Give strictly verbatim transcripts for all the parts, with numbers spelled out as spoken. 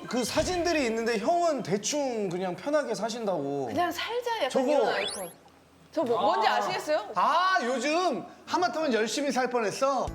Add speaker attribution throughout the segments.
Speaker 1: 그 사진들이 있는데 형은 대충 그냥 편하게 사신다고.
Speaker 2: 그냥 살자 약간
Speaker 1: 저거-
Speaker 2: 이런 아이콘. 저 뭐, 뭔지 아시겠어요?
Speaker 3: 아 요즘 하마터면 열심히 살 뻔했어.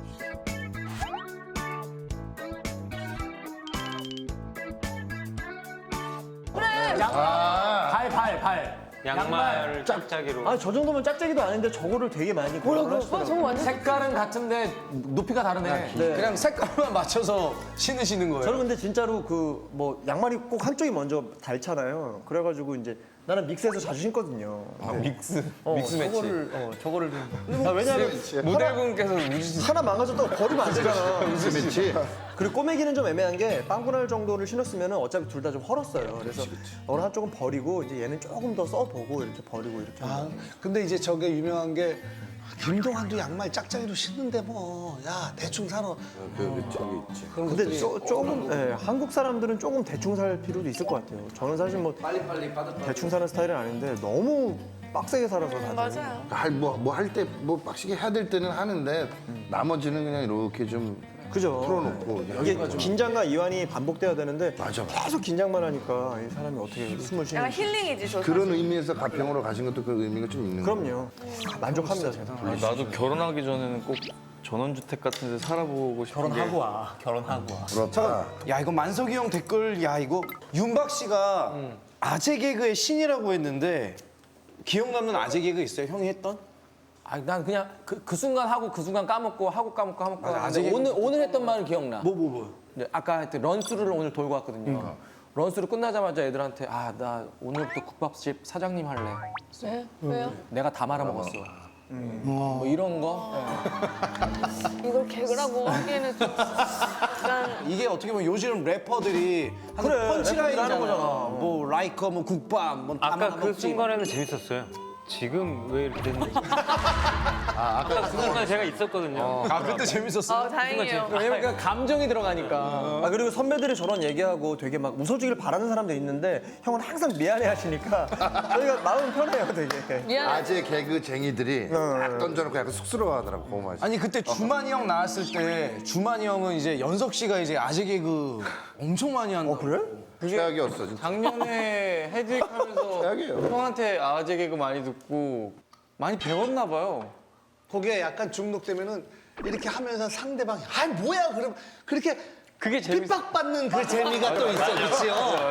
Speaker 2: 그래.
Speaker 4: 발, 발, 발.
Speaker 5: 양말 짝짝이로.
Speaker 4: 아, 저 정도면 짝짝이도 아닌데 저거를 되게 많이
Speaker 2: 뭐라고? 와, 저거 완전
Speaker 4: 색깔은 같은데 높이가 다르네. 네.
Speaker 1: 그냥 색깔만 맞춰서 신으시는 거예요.
Speaker 6: 저는 근데 진짜로 그 뭐 양말이 꼭 한쪽이 먼저 닳잖아요. 그래가지고 이제 나는 믹스해서 자주 신거든요.
Speaker 5: 아, 믹스.
Speaker 6: 어,
Speaker 5: 믹스 매치.
Speaker 6: 저거를, 어, 저거를 좀. 아, 왜냐면
Speaker 5: 모델분께서 우주신.
Speaker 6: 하나 망가졌다고 버리면 안 되잖아.
Speaker 3: 그렇지.
Speaker 6: 그리고 꼬매기는 좀 애매한 게 빵꾸날 정도를 신었으면 어차피 둘 다 좀 헐었어요. 그래서 어느 한쪽은 버리고 이제 얘는 조금 더 써보고 이렇게 버리고 이렇게.
Speaker 3: 아 근데 이제 저게 유명한 게 김동완도 양말 짝짝이로 신는데 뭐 야 대충 사러.
Speaker 5: 그 저기 있지.
Speaker 6: 근데 조, 조금 예, 한국 사람들은 조금 대충 살 필요도 있을 것 같아요. 저는 사실 뭐 대충 사는 스타일은 아닌데 너무 빡세게 살아서 다들.
Speaker 2: 맞아요.
Speaker 7: 할뭐 할 때 뭐 빡시게 해야 될 때는 하는데 나머지는 그냥 이렇게 좀
Speaker 6: 그죠.
Speaker 7: 풀어놓고
Speaker 6: 이게 긴장과 이완이 반복돼야 되는데
Speaker 7: 맞아, 맞아.
Speaker 6: 계속 긴장만 하니까 이 사람이 어떻게 숨을 쉬는
Speaker 2: 약간 힐링이지, 저
Speaker 7: 그런
Speaker 2: 사실.
Speaker 7: 의미에서 가평으로 가신 것도 그 의미가 좀 있는 거예요.
Speaker 6: 그럼요. 만족합니다. 저는.
Speaker 5: 나도 결혼하기 전에는 꼭 전원주택 같은 데 살아보고 싶은
Speaker 4: 결혼하고 와. 결혼하고 와.
Speaker 7: 그렇다.
Speaker 1: 야 이거 만석이 형 댓글 야 이거 윤박 씨가 아재 개그의 신이라고 했는데 기억 남는 아재 개그 있어요? 형이 했던?
Speaker 4: 아, 난 그냥 그, 그 순간 하고 그 순간 까먹고 하고 까먹고 하고
Speaker 1: 맞아,
Speaker 4: 까먹고.
Speaker 1: 아직
Speaker 4: 근데 오늘 오늘 했던 말은 기억나.
Speaker 1: 뭐 뭐 뭐?
Speaker 4: 네, 아까 했던 런스루를 오늘 돌고 왔거든요. 런스루 끝나자마자 애들한테 아 나 오늘부터 국밥집 사장님 할래.
Speaker 2: 네? 왜요?
Speaker 4: 내가 다 말아먹었어. 뭐 이런 거.
Speaker 2: 이걸 개그라고 하기에는 좀 약간
Speaker 1: 이게 어떻게 보면 요즘 래퍼들이 하는
Speaker 6: 그래,
Speaker 1: 펀치라인이잖아.
Speaker 6: 래퍼들이 하는 거잖아.
Speaker 1: 뭐 라이커 뭐 국밥 뭐
Speaker 5: 아까 그
Speaker 1: 먹지.
Speaker 5: 순간에는 재밌었어요. 지금 왜 이렇게 됐는지. 아, 아까 그 순간 제가 있었거든요.
Speaker 1: 아 그때 재밌었어.
Speaker 2: 아 다행이에요.
Speaker 4: 왜냐면 그 감정이 들어가니까.
Speaker 6: 아 그리고 선배들이 저런 얘기하고 되게 막 웃어주길 바라는 사람도 있는데 형은 항상 미안해 하시니까 저희가 마음 편해요 되게.
Speaker 2: 미안해.
Speaker 7: 아재 개그쟁이들이 딱 던져놓고 약간 쑥스러워하더라고. 그거 맛이.
Speaker 1: 아니 그때 주만이 형 나왔을 때 주만이 형은 이제 연석 씨가 이제 아재 개그 엄청 많이 한다. 어
Speaker 6: 그래?
Speaker 7: 최악이었어 진짜.
Speaker 5: 작년에 헤드윅 하면서
Speaker 7: 최악이에요.
Speaker 5: 형한테 아재 개그 많이 듣고 많이 배웠나 봐요.
Speaker 3: 거기에 약간 중독되면은 이렇게 하면서 상대방이 아 뭐야 그럼 그렇게
Speaker 5: 그게 재밌어.
Speaker 3: 핍박받는 그 재미가 또 있어, 그렇지?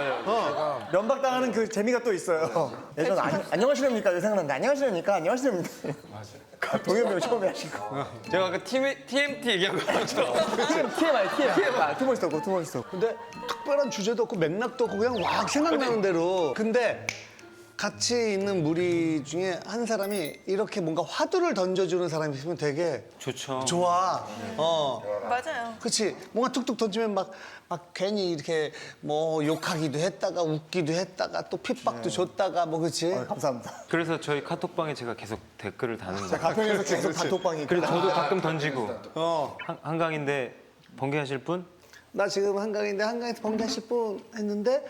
Speaker 6: 면박 당하는 그 재미가 또 있어요. 예전 안, 안녕하시렵니까 생각나는데 안녕하시렵니까 안녕하시렵니까. 맞아. 동현이 형 처음에 하신 거.
Speaker 5: 제가 아까 티엠티 얘기한 것처럼.
Speaker 6: 티엠아이 티엠아이. 투 멋있었고 투 멋있었고.
Speaker 3: 근데 특별한 주제도 없고 맥락도 없고 그냥 막 생각나는 대로. 근데 같이 있는 무리 중에 한 사람이 이렇게 뭔가 화두를 던져주는 사람이 있으면 되게
Speaker 5: 좋죠.
Speaker 3: 좋아. 어.
Speaker 2: 맞아요.
Speaker 3: 그렇지. 뭔가 툭툭 던지면 막, 막 괜히 이렇게 뭐 욕하기도 했다가 웃기도 했다가 또 핍박도 줬다가 뭐 그렇지.
Speaker 6: 감사합니다.
Speaker 5: 그래서 저희 카톡방에 제가 계속 댓글을 다는 거예요.
Speaker 6: 가평에서 계속 단톡방이.
Speaker 5: 그리고 저도 가끔 던지고.
Speaker 3: 어.
Speaker 5: 한, 한강인데 번개하실 분?
Speaker 3: 나 지금 한강인데 한강에서 번개하실 분 했는데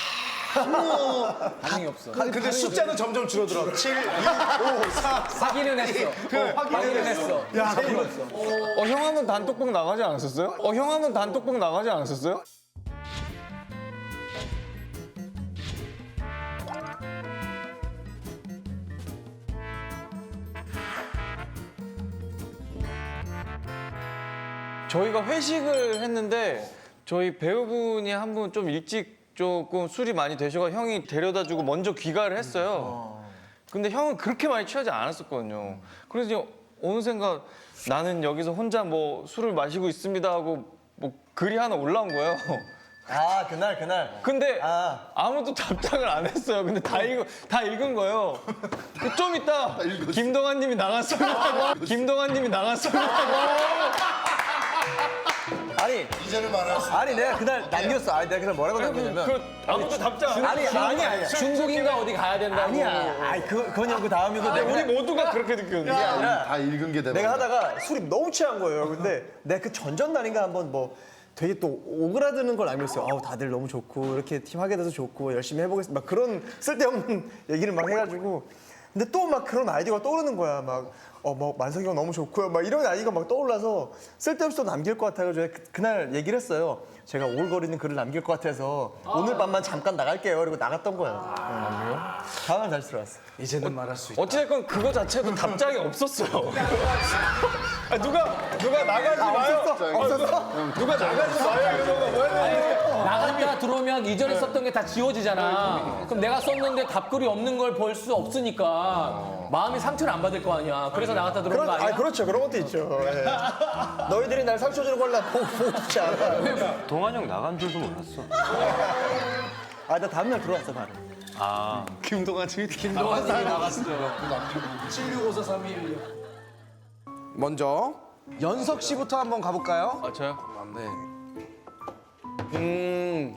Speaker 3: 아무
Speaker 4: 반응이 없어.
Speaker 1: 아, 근데 숫자는 점점 줄어들어. 칠, 육, 오, 사.
Speaker 4: 확인은 했어. 확인은 했어.
Speaker 3: 야,
Speaker 5: 어, 형 한번 단톡방 나가지 않았었어요? 어, 형 한번 단톡방 나가지 않았었어요? 저희가 회식을 했는데 저희 배우분이 한 분 좀 일찍 조금 술이 많이 드셔서 형이 데려다주고 먼저 귀가를 했어요. 근데 형은 그렇게 많이 취하지 않았었거든요. 그래서 이제 어느샌가 나는 여기서 혼자 뭐 술을 마시고 있습니다 하고 뭐 글이 하나 올라온 거예요.
Speaker 6: 아 그날 그날.
Speaker 5: 근데
Speaker 6: 아.
Speaker 5: 아무도 답장을 안 했어요. 근데 다 읽은 다 읽은 거예요. 그 좀 이따 김동완님이 나갔습니다. 김동완님이 나갔습니다.
Speaker 6: 아니
Speaker 7: 이제는 말할 수.
Speaker 6: 아니 내가 그날 남겼어. 아니 내가 그날 뭐라고 남겼냐면.
Speaker 5: 그 아무도 답장 안
Speaker 6: 아니
Speaker 5: 했어요.
Speaker 6: 아니 아니야.
Speaker 4: 중국인가 어디 가야 된다고.
Speaker 6: 아니야. 아니 그 그건 그 다음이고 내가
Speaker 5: 우리 모두가 그렇게 느꼈는데.
Speaker 6: 아니라
Speaker 7: 다 읽은 게 대박.
Speaker 6: 내가 하다가 술이 너무 취한 거예요. 근데 내가 그 전전날인가 한번 뭐 되게 또 오그라드는 걸 알고 있어요. 아우 다들 너무 좋고 이렇게 팀 하게 돼서 좋고 열심히 해보겠습니다. 막 그런 쓸데없는 얘기를 막 해가지고 근데 또 막 그런 아이디어가 떠오르는 거야. 막 어 뭐 만석이 형 너무 좋고요. 막 이런 아이디어가 막 떠올라서 쓸데없이 또 남길 것 같아가지고 그, 그날 얘기를 했어요. 제가 오글거리는 글을 남길 것 같아서 오늘 밤만 잠깐 나갈게요. 그리고 나갔던 거야. 네. 다음날 다시 들어왔어.
Speaker 1: 이제는 말할 수 있다.
Speaker 5: 어찌됐건 그거 자체도 답장이 없었어요. 아, 누가 누가 나가지 마요.
Speaker 6: 없었어?
Speaker 5: 누가 나가지 마요. 이러고 뭐 했는데.
Speaker 4: 나갔다 들어오면 이전에 썼던 게 다 지워지잖아. 그럼 내가 썼는데 답글이 없는 걸 볼 수 없으니까 마음이 상처를 안 받을 거 아니야. 그래서 나갔다 들어온
Speaker 6: 그런,
Speaker 4: 거
Speaker 6: 아
Speaker 4: 아니야?
Speaker 6: 그렇죠. 그런 것도 있죠. 예. 너희들이 날 상처 주는 걸 나 보고, 보고 싶지 않아.
Speaker 8: 동환 형 나간 줄도 몰랐어.
Speaker 6: 아, 나 다음날 들어왔어, 바로.
Speaker 8: 아,
Speaker 3: 김동완 씨.
Speaker 4: 김동완님이 나갔어.
Speaker 1: 먼저 연석 씨부터 한번 가볼까요?
Speaker 5: 아 저요?
Speaker 1: 네. 음,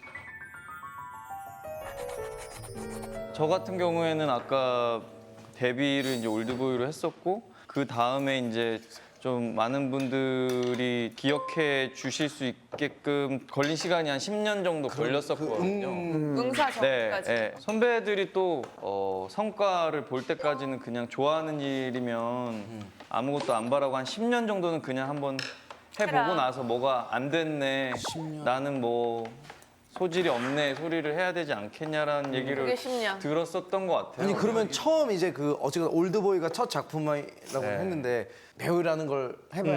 Speaker 5: 저 같은 경우에는 아까 데뷔를 이제 올드보이로 했었고 그 다음에 이제 좀 많은 분들이 기억해 주실 수 있게끔 걸린 시간이 한 십 년 정도 걸렸었거든요.
Speaker 2: 응사
Speaker 5: 네,
Speaker 2: 전까지.
Speaker 5: 네. 선배들이 또 어, 성과를 볼 때까지는 그냥 좋아하는 일이면 아무것도 안 바라고 한 십 년 정도는 그냥 한번 해보고
Speaker 2: 해라.
Speaker 5: 나서 뭐가 안 됐네. 나는 뭐 소질이 없네 소리를 해야 되지 않겠냐라는
Speaker 2: 그게
Speaker 5: 얘기를
Speaker 2: 십 년.
Speaker 5: 들었었던 것 같아요.
Speaker 1: 아니 그러면 처음 이제 그 어쨌든 올드보이가 첫 작품이라고
Speaker 5: 네.
Speaker 1: 했는데 배우라는 걸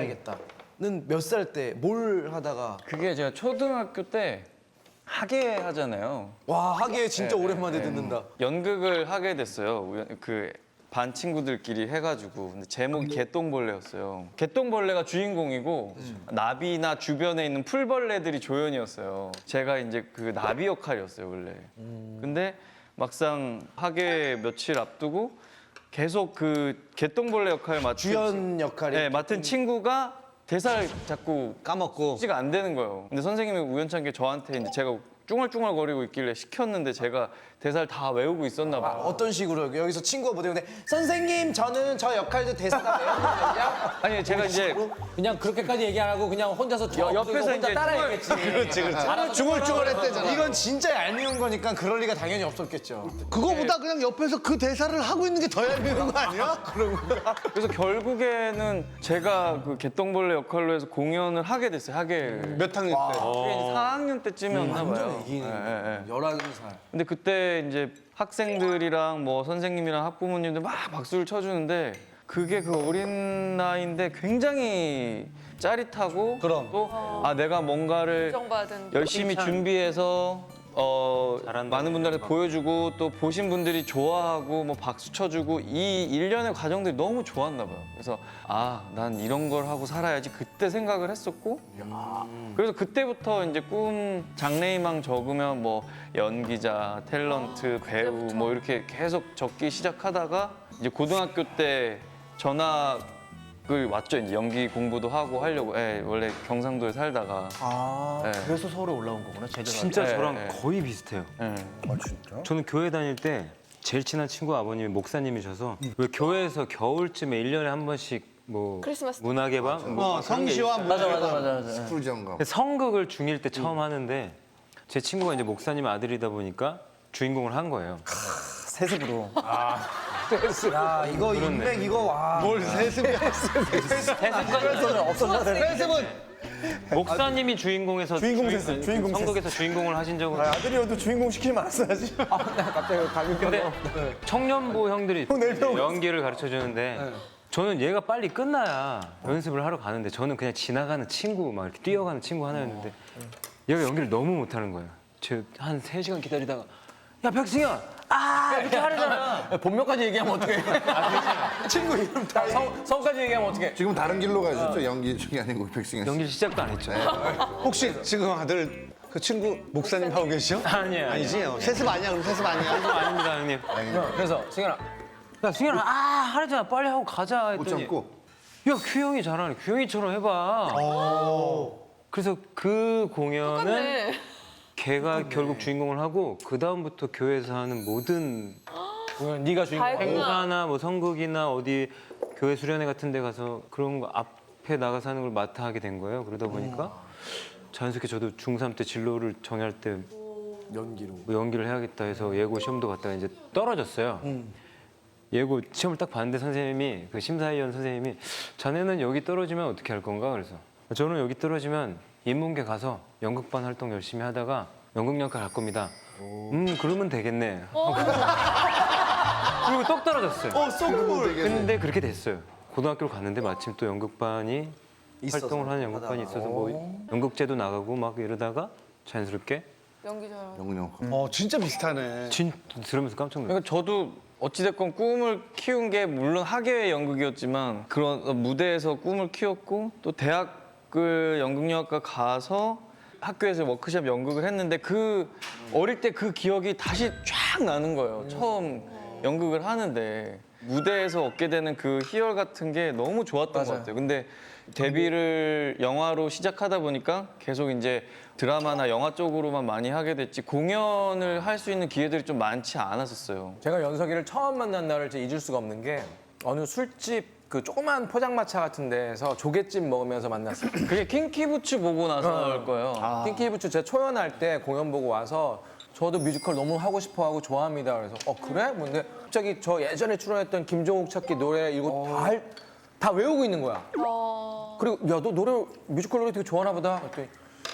Speaker 1: 해봐야겠다는 몇 살 때 뭘 하다가
Speaker 5: 그게 제가 초등학교 때 학예 하잖아요.
Speaker 1: 와 하기에 진짜
Speaker 5: 네,
Speaker 1: 오랜만에
Speaker 5: 네.
Speaker 1: 듣는다.
Speaker 5: 연극을 하게 됐어요. 우연- 그 반 친구들끼리 해가지고 근데 제목이 개똥벌레였어요. 개똥벌레가 주인공이고 나비나 주변에 있는 풀벌레들이 조연이었어요. 제가 이제 그 나비 역할이었어요 원래. 근데 막상 하게 며칠 앞두고 계속 그 개똥벌레 역할을 맡은
Speaker 1: 주연 역할이
Speaker 5: 네, 맡은 친구가 대사를 자꾸
Speaker 3: 까먹고.
Speaker 5: 가 안 되는 거예요. 근데 선생님이 우연찮게 저한테 이제 제가 쭝얼쭝얼거리고 있길래 시켰는데 제가 대사를 다 외우고 있었나 봐요.
Speaker 1: 어떤 식으로 여기서 친구가 못 외우는데 선생님 저는 저 역할도 대사 다 외웠거든요.
Speaker 5: 아니 제가 이제
Speaker 4: 그냥 그렇게까지 얘기 안 하고 그냥 혼자서 저
Speaker 5: 여- 옆에서
Speaker 4: 혼자
Speaker 5: 이제
Speaker 4: 따라했겠지. 그렇지, 그렇지.
Speaker 3: 중얼중얼했대잖아.
Speaker 1: 이건 진짜 얄미운 거니까 그럴 리가 당연히 없었겠죠.
Speaker 3: 그거보다 그냥 옆에서 그 대사를 하고 있는 게 더 얄미운 거 아니야?
Speaker 5: 그래서 결국에는 제가 그 개똥벌레 역할로 해서 공연을 하게 됐어요. 하계를.
Speaker 3: 몇 학년 때?
Speaker 5: 그게 이제 사 학년 때쯤이었나 봐요.
Speaker 1: 이기는
Speaker 5: 예, 예.
Speaker 1: 열한 살.
Speaker 5: 근데 그때 이제 학생들이랑 뭐 선생님이랑 학부모님들 막 박수를 쳐주는데 그게 그 어린 나이인데 굉장히 짜릿하고
Speaker 3: 그럼.
Speaker 5: 또 아 내가 뭔가를
Speaker 2: 인정받은.
Speaker 5: 열심히 준비해서 어 많은 분들한테 보여주고 또 보신 분들이 좋아하고 뭐 박수 쳐주고 이 일련의 과정들이 너무 좋았나 봐요. 그래서 아 난 이런 걸 하고 살아야지 그때 생각을 했었고 그래서 그때부터 이제 꿈 장래희망 적으면 뭐 연기자, 탤런트, 배우 뭐 이렇게 계속 적기 시작하다가 이제 고등학교 때 전학을 왔죠. 이제 연기 공부도 하고 하려고. 예, 원래 경상도에 살다가.
Speaker 6: 아,
Speaker 5: 네.
Speaker 6: 그래서 서울에 올라온 거구나, 제대로.
Speaker 8: 진짜
Speaker 5: 네,
Speaker 8: 저랑
Speaker 5: 네.
Speaker 8: 거의 비슷해요.
Speaker 5: 예.
Speaker 7: 아 진짜?
Speaker 8: 저는 교회 다닐 때 제일 친한 친구 아버님이 목사님이셔서 왜 교회에서 겨울쯤에 일 년에 한 번씩 뭐
Speaker 2: 크리스마스
Speaker 8: 문화의 밤? 뭐
Speaker 3: 어,
Speaker 8: 그런 게
Speaker 3: 성시와
Speaker 8: 있어요.
Speaker 6: 맞아, 맞아, 맞아. 맞아.
Speaker 7: 풀장갑.
Speaker 8: 근데 성극을 중일 때 처음 하는데 제 친구가 이제 목사님 아들이다 보니까 주인공을 한 거예요.
Speaker 6: 세습으로.
Speaker 1: 야 이거 인맥 이거 와.
Speaker 3: 뭘 세습이야?
Speaker 6: 없었나?
Speaker 3: 세습은
Speaker 8: 목사님이 주인공에서
Speaker 6: 주인공
Speaker 8: 주인-
Speaker 6: 됐어요, 주인공
Speaker 8: 성극에서 주인공을 하신 적은
Speaker 6: 아, 아들이어도 주인공 시키지 말았어야지. 아, 갑자기 가격
Speaker 8: 근데 청년부 형들이
Speaker 6: 네 명.
Speaker 8: 연기를 가르쳐 주는데 저는 얘가 빨리 끝나야 연습을 하러 가는데 저는 그냥 지나가는 친구 막 이렇게 뛰어가는 친구 하나였는데 얘가 연기를 너무 못하는 거예요. 저한 세 시간 기다리다가 야 백승현 아 이렇게 하려잖아.
Speaker 4: 본명까지 얘기하면 어떡해.
Speaker 1: 친구 이름 다.
Speaker 4: 성, 성까지 얘기하면 어떡해.
Speaker 7: 지금 다른 길로 가셨죠? 연기 중이 아니고 백승현 씨.
Speaker 8: 연기 시작도 안 했죠.
Speaker 3: 혹시 지금 아들 그 친구 목사님 하고 계시죠?
Speaker 8: 아니에요.
Speaker 3: 아니지? 어, 세습 아니야? 그럼 세습 아니야?
Speaker 8: 아닙니다, 형님.
Speaker 4: 그래서 승현아
Speaker 8: 야, 승현아, 아, 하려잖아. 빨리 하고 가자.
Speaker 7: 못
Speaker 8: 했더니
Speaker 7: 참고.
Speaker 8: 야, 규형이 잘하네. 규형이처럼 해봐. 그래서 그 공연은
Speaker 2: 똑같네.
Speaker 8: 걔가 결국 주인공을 하고 그 다음부터 교회에서 하는 모든
Speaker 4: 네가 주인공.
Speaker 2: 다 했구나.
Speaker 8: 행사나 뭐 성극이나 어디 교회 수련회 같은 데 가서 그런 거 앞에 나가서 하는 걸 맡아 하게 된 거예요. 그러다 보니까 자연스럽게 저도 중삼 때 진로를 정할 때
Speaker 1: 연기로.
Speaker 8: 뭐 연기를 해야겠다 해서 예고 시험도 갔다가 이제 떨어졌어요. 예고 시험을 딱 봤는데 선생님이 그 심사위원 선생님이 자네는 여기 떨어지면 어떻게 할 건가 그래서 저는 여기 떨어지면 인문계 가서 연극반 활동 열심히 하다가 연극영화과 갈 겁니다. 음 그러면 되겠네. 그리고 똑 떨어졌어요.
Speaker 1: 어, 쏘쿨.
Speaker 8: 근데 그렇게 됐어요. 고등학교를 갔는데 마침 또 연극반이 활동을 하는 연극반이 있어서 뭐 연극제도 나가고 막 이러다가 자연스럽게
Speaker 2: 연기 잘하고.
Speaker 7: 영영.
Speaker 3: 어 진짜 비슷하네.
Speaker 8: 진 들으면서 깜짝 놀랐어요.
Speaker 5: 그러니까 저도 어찌됐건 꿈을 키운 게 물론 학예의 연극이었지만 그런 무대에서 꿈을 키웠고 또 대학을 연극영화과 가서 학교에서 워크숍 연극을 했는데 그 어릴 때 그 기억이 다시 쫙 나는 거예요. 처음 연극을 하는데 무대에서 얻게 되는 그 희열 같은 게 너무 좋았던 것 같아요. 근데 데뷔를 영화로 시작하다 보니까 계속 이제 드라마나 영화 쪽으로만 많이 하게 됐지 공연을 할 수 있는 기회들이 좀 많지 않았었어요.
Speaker 4: 제가 연석이를 처음 만난 날을 진짜 잊을 수가 없는 게 어느 술집 그 조그만 포장마차 같은 데에서 조개찜 먹으면서 만났어요.
Speaker 5: 그게 킹키부츠 보고 나서일 거예요.
Speaker 4: 킹키부츠 제가 초연할 때 공연 보고 와서 저도 뮤지컬 너무 하고 싶어하고 좋아합니다. 그래서 어 그래? 뭔데 갑자기 저 예전에 출연했던 김종욱 찾기 노래 이거 다, 알- 다 외우고 있는 거야.
Speaker 2: 어...
Speaker 4: 그리고 야 너 노래 뮤지컬 노래 되게 좋아하나 보다. 그랬더니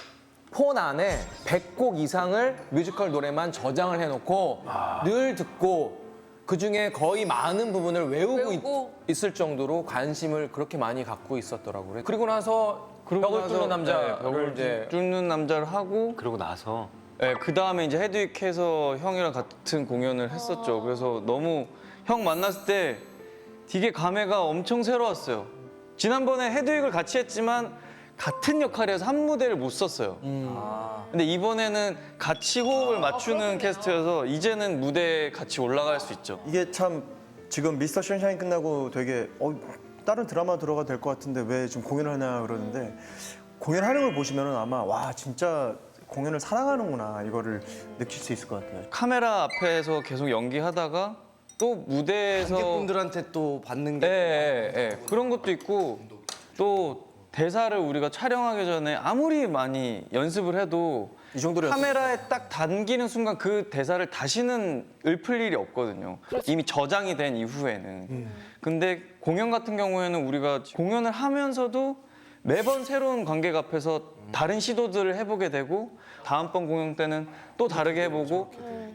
Speaker 4: 폰 안에 백 곡 이상을 뮤지컬 노래만 저장을 해놓고 늘 듣고 그 중에 거의 많은 부분을 외우고,
Speaker 2: 외우고?
Speaker 4: 있, 을 정도로 관심을 그렇게 많이 갖고 있었더라고요. 그리고 나서 벽을
Speaker 5: 나서,
Speaker 4: 뚫는 남자
Speaker 5: 네, 벽을
Speaker 4: 이제
Speaker 5: 뚫는 남자를 하고
Speaker 8: 그러고 나서
Speaker 5: 네, 그 다음에 이제 헤드윅해서 형이랑 같은 공연을 했었죠. 그래서 너무 형 만났을 때 되게 감회가 엄청 새로웠어요. 지난번에 헤드윅을 같이 했지만 같은 역할이어서 한 무대를 못 썼어요. 근데 이번에는 같이 호흡을 맞추는 캐스트여서 이제는 무대에 같이 올라갈 수 있죠.
Speaker 6: 이게 참 지금 미스터 션샤인 끝나고 되게 어, 다른 드라마 들어가도 될 것 같은데 왜 지금 공연을 하냐 그러는데 공연하는 걸 보시면은 아마 와 진짜 공연을 사랑하는구나 이거를 느낄 수 있을 것 같아요.
Speaker 5: 카메라 앞에서 계속 연기하다가 또 무대에서
Speaker 1: 관객분들한테 또 받는 게
Speaker 5: 예, 예, 예. 그런 것도 있고 또 대사를 우리가 촬영하기 전에 아무리 많이 연습을 해도
Speaker 6: 이 정도로
Speaker 5: 카메라에 딱 담기는 순간 그 대사를 다시는 읊을 일이 없거든요. 이미 저장이 된 이후에는. 근데 공연 같은 경우에는 우리가 공연을 하면서도 매번 새로운 관객 앞에서 다른 시도들을 해보게 되고 다음번 공연 때는 또 다르게 해보고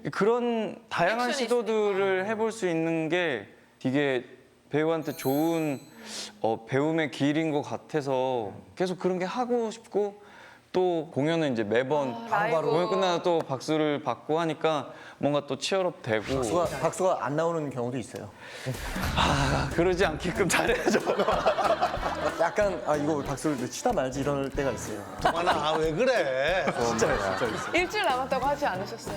Speaker 5: 그런 다양한
Speaker 2: 액션이
Speaker 5: 시도들을 해볼 수 있는 게 되게 배우한테 좋은 어, 배움의 길인 것 같아서 계속 그런 게 하고 싶고 또 공연은 이제 매번
Speaker 2: 아, 라이브.
Speaker 5: 공연 끝나서 또 박수를 받고 하니까 뭔가 또 치열업 되고
Speaker 6: 박수가, 박수가 안 나오는 경우도 있어요.
Speaker 5: 아, 그러지 않게끔 잘해야죠.
Speaker 6: 약간 아 이거 박수를 치다 말지 이럴 때가 있어요.
Speaker 3: 동환아 아, 왜 그래?
Speaker 6: 진짜 진짜 있어요.
Speaker 2: 일주일 남았다고 하지 않으셨어요?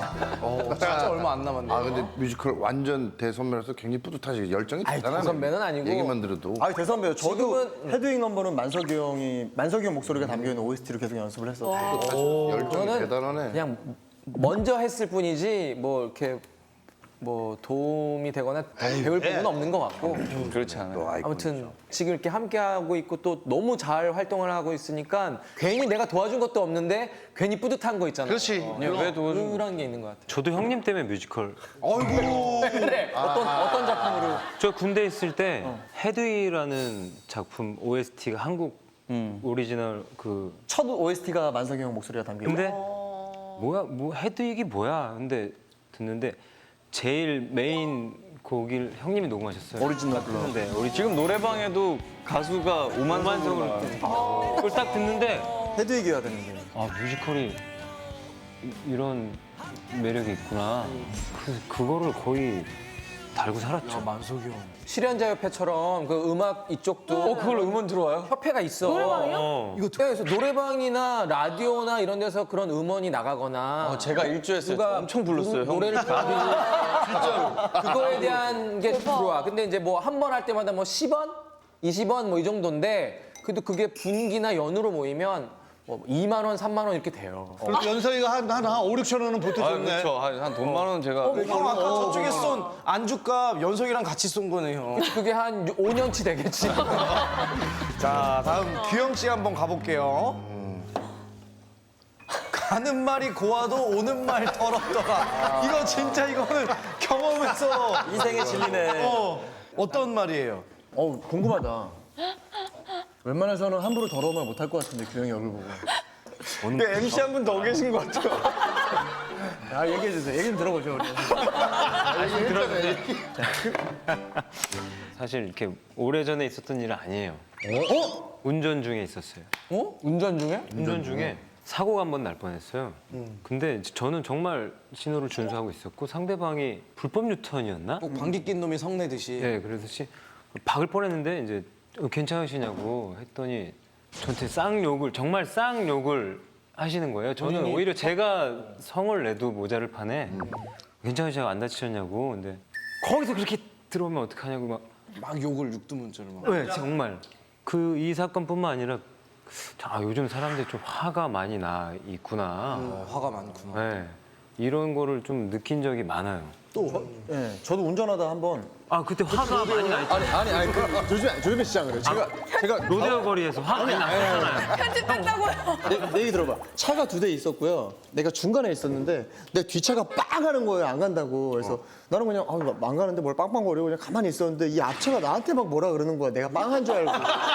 Speaker 4: 진짜 얼마 안 남았네요.
Speaker 7: 아 근데 뮤지컬 완전 대선배라서 굉장히 뿌듯하시고 열정이 대단하네.
Speaker 4: 대선배는 아니고.
Speaker 7: 얘기만 들어도.
Speaker 6: 아 대선배요. 저도
Speaker 4: 지금은-
Speaker 6: 헤드윅 넘버는 만석이 형이 만석이 형 목소리가 담겨 있는 오에스티로 계속 연습을 했었고.
Speaker 7: 열정이
Speaker 4: 저는
Speaker 7: 대단하네.
Speaker 4: 그냥 먼저 했을 뿐이지 뭐 이렇게 뭐 도움이 되거나 배울 부분은 없는 것 같고
Speaker 5: 그렇지 않아요.
Speaker 4: 아무튼 지금 이렇게 함께 하고 있고 또 너무 잘 활동을 하고 있으니까 괜히 내가 도와준 것도 없는데 괜히 뿌듯한 거 있잖아요.
Speaker 3: 그렇지.
Speaker 5: 왜 도와준
Speaker 4: 그런 게 있는 것 같아요.
Speaker 8: 저도 형님 때문에 뮤지컬
Speaker 4: 그래 어떤 어떤 작품으로
Speaker 8: 저 군대 있을 때 헤드위라는 작품 오에스티가 한국 오리지널 그
Speaker 6: 첫 오에스티가 만석이 형 목소리가 담겨 있는.
Speaker 8: 근데 뭐야 뭐 헤드윅이 뭐야 근데 듣는데 제일 메인 곡을 형님이 녹음하셨어요.
Speaker 6: 오리지널 블러.
Speaker 8: 근데 우리
Speaker 5: 지금 노래방에도 가수가 오만성으로
Speaker 8: 오만성으로 그걸 딱 듣는데
Speaker 6: 헤드윅이어야 되는데.
Speaker 8: 아 뮤지컬이 이- 이런 매력이 있구나. 그래서 그거를 거의 달고 살았죠.
Speaker 4: 실현자협회처럼 그 음악 이쪽도 어 그걸 음원 들어와요? 협회가 있어.
Speaker 2: 노래방이요?
Speaker 8: 어.
Speaker 4: 그래서 노래방이나 라디오나 이런 데서 그런 음원이 나가거나
Speaker 5: 어, 제가 일주했어요.
Speaker 4: 누가
Speaker 5: 엄청 불렀어요.
Speaker 4: 노- 노래를 부르고 진짜로 그거에 대한 게 들어와. 근데 이제 뭐 한 번 할 때마다 뭐 십 원, 이십 원 뭐 이 정도인데 그래도 그게 분기나 연으로 모이면 뭐 이만 원, 삼만 원 이렇게 돼요.
Speaker 3: 그래도 연석이가 한, 한, 한 오, 육천 원은 보태
Speaker 5: 아,
Speaker 3: 줬네.
Speaker 5: 그렇죠. 한, 한 돈만 원 제가
Speaker 1: 형 아까 저쪽에 쏜 안주값 연석이랑 같이 쏜 거네요.
Speaker 4: 그게 한 오 년치 되겠지.
Speaker 1: 자, 다음 규영 씨 한번 가볼게요. 가는 말이 고와도 오는 말 더럽더라. 이거 진짜 이거는 경험에서
Speaker 6: 인생의 진리네.
Speaker 1: 어, 어떤 말이에요?
Speaker 6: 어우 궁금하다. 웬만해서는 함부로 더러운 말 못할 것 같은데 규영이 얼굴 보고.
Speaker 1: 엠씨 한 분 더 계신 것 같아요.
Speaker 6: 아 얘기해 주세요. 얘기 좀 들어보죠 우리.
Speaker 8: 사실 이렇게 오래전에 있었던 일은 아니에요.
Speaker 4: 어?
Speaker 8: 운전 중에 있었어요.
Speaker 4: 어? 운전 중에?
Speaker 8: 운전 중에 사고가 한 번 날 뻔했어요.
Speaker 1: 음.
Speaker 8: 근데 저는 정말 신호를 준수하고 있었고 상대방이 불법 유턴이었나?
Speaker 1: 꼭 방귀 낀 놈이 성내듯이.
Speaker 8: 네, 그러듯이 박을 뻔했는데 이제 어, 괜찮으시냐고 했더니 저한테 쌍욕을 정말 쌍욕을 하시는 거예요. 저는 오히려 제가 성을 내도 모자를 파네. 괜찮으시냐고 안 다치셨냐고. 근데 거기서 그렇게 들어오면 어떡하냐고 막.
Speaker 1: 막 욕을 육두문자로 막.
Speaker 8: 네, 정말 그 이 사건뿐만 아니라 아, 요즘 사람들이 좀 화가 많이 나 있구나.
Speaker 1: 어, 화가 많구나.
Speaker 8: 네, 이런 거를 좀 느낀 적이 많아요.
Speaker 6: 또, 예, 저도 운전하다 한번
Speaker 8: 아 그때 화가 많이 나 있죠.
Speaker 6: 아니 아니 아니 그 조심해 조심해 시장 그래. 제가 제가
Speaker 8: 로데오 거리에서 화가 많이 나잖아요.
Speaker 2: 편집했다고요.
Speaker 6: 내, 내 얘기 들어봐. 차가 두 대 있었고요. 내가 중간에 있었는데 내 뒷차가 빵 하는 거예요. 안 간다고. 그래서 나는 그냥 아, 안 가는데 뭘 빵빵거리고 그냥 가만히 있었는데 이 앞차가 나한테 막 뭐라 그러는 거야. 내가 빵한 줄 알고.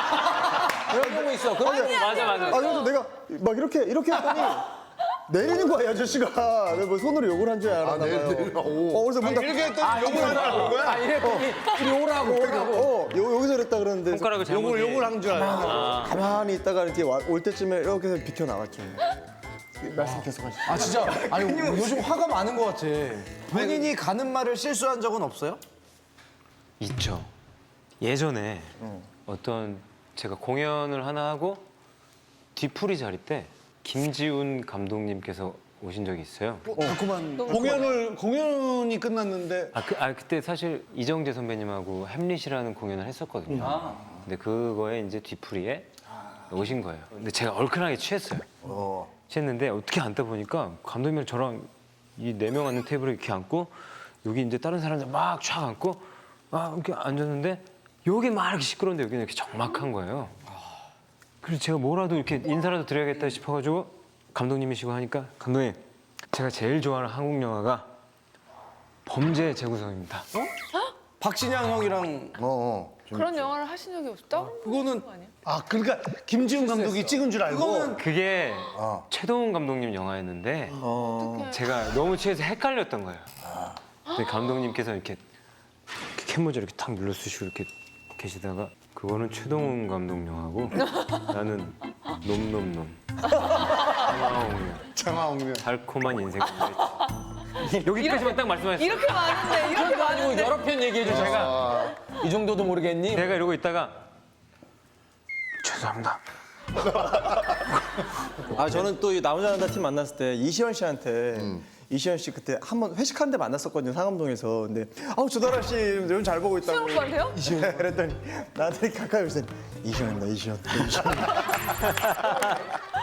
Speaker 4: 그런 경우 있어. 그런 경우.
Speaker 8: 맞아 맞아.
Speaker 6: 아 그래서 내가 막 이렇게 이렇게 했더니 내리는 거야 이 아저씨가. 내가 뭐 손으로 욕을 한 줄 알았나 봐요. 어, 그래서 문 닫... 이렇게 했더니 욕을 하는 거야?
Speaker 4: 아, 이랬더니 이리 오라고.
Speaker 6: 어, 요, 여기서 그랬다 그러는데
Speaker 8: 손가락을 잘못.
Speaker 1: 욕을 한 줄 알아.
Speaker 6: 가만히 있다가 이렇게 와- 올 때쯤에 이렇게 해서 비켜 나왔죠. 말씀 계속 하시죠.
Speaker 1: 아 진짜 아니 요즘 화가 많은 것 같아. 본인이 가는 말을 실수한 적은 없어요?
Speaker 8: 있죠. 예전에 어떤 제가 공연을 하나 하고 뒤풀이 자리 때 김지훈 감독님께서 오신 적이 있어요.
Speaker 3: 자꾸만 공연을 공연이 끝났는데
Speaker 8: 아, 그, 아 그때 사실 이정재 선배님하고 햄릿이라는 공연을 했었거든요. 근데 그거에 이제 뒤풀이에 오신 거예요. 근데 제가 얼큰하게 취했어요. 취했는데 어떻게 앉다 보니까 감독님이랑 저랑 이 네 명 앉는 테이블에 이렇게 앉고 여기 이제 다른 사람들 막 쫙 앉고 막 이렇게 앉았는데 여기 막 이렇게 시끄러운데 여기는 이렇게 적막한 거예요. 그래서 제가 뭐라도 이렇게 인사라도 드려야겠다 싶어가지고 감독님이시고 하니까 감독님 제가 제일 좋아하는 한국 영화가 범죄 재구성입니다.
Speaker 1: 박신양 형이랑
Speaker 7: 어, 어.
Speaker 2: 그런 영화를 하신 적이 없다?
Speaker 1: 그거는
Speaker 3: 아 그러니까 김지훈 감독이 찍은 줄 알고
Speaker 1: 그거는
Speaker 8: 그게 최동훈 감독님 영화였는데 제가 너무 취해서 헷갈렸던 거예요. 근데 감독님께서 이렇게, 이렇게 캔모자 이렇게 탁 눌러쓰시고 이렇게 계시다가 그거는 최동훈 감독 영화고 나는 놈놈놈 장화홍련
Speaker 3: 장화홍련
Speaker 8: 달콤한 인생 여기까지만 딱 말씀하셨어요.
Speaker 2: 이렇게 많은데 이렇게
Speaker 4: 그거 아니고
Speaker 2: 많은데.
Speaker 4: 여러 편 얘기해 줘. 제가 이 정도도 모르겠니?
Speaker 8: 내가 이러고 있다가 죄송합니다.
Speaker 6: 아 저는 또 이 나 혼자 산다 팀 만났을 때 이시연 씨한테 이시연 씨 그때 한 번 회식하는데 만났었거든요 상암동에서. 근데 아우 조다라 씨 요즘 잘 보고 있다고.
Speaker 2: 수영 오빠한테요?
Speaker 6: 이시연 그랬더니 나한테 가까이 오세요. 이시연입니다 이시연. 이시연.